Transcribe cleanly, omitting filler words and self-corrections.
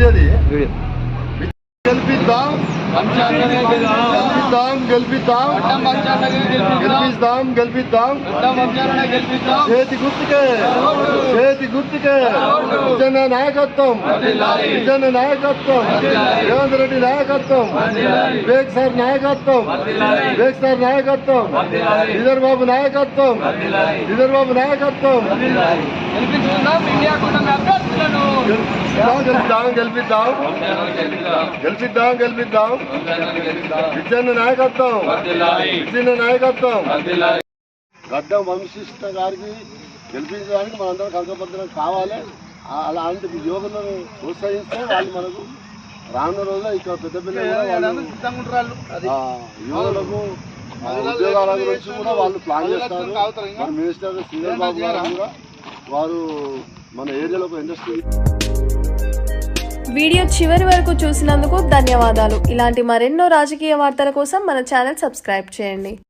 వీడియోది గెలిపిద్దాం గెలిపిద్దాం గెలిపిద్దాం గెలిపిద్దాం గెలిపిద్దాం చేతి గుర్తుకే విజయన నాయకత్వం రేవంత్ రెడ్డి నాయకత్వం వివేక్ సార్ నాయకత్వం శ్రీధర్ బాబు నాయకత్వం గెలిపిద్దాం విజయన నాయకత్వం గడ్డం వంశిష్ట గారికి గెలిపించడానికి మనందరం కంకపత్రం కావాలి. అలాంటి యువకులను ప్రోత్సహిస్తే వాళ్ళు మనకు రానున్న రోజుల్లో ఇక్కడ పెద్ద పిల్లలు యువకులకు ఉద్యోగాల గురించి కూడా వాళ్ళు ప్లాన్ చేస్తారు. మన మినిస్టర్ శ్రీధర్ బాబు గారు కూడా వారు మన ఏరియాలో ఇండస్ట్రీ. వీడియో చివరి వరకు చూసినందుకు ధన్యవాదాలు. ఇలాంటి మరెన్నో రాజకీయ వార్తల కోసం మన ఛానల్ సబ్స్క్రైబ్ చేయండి.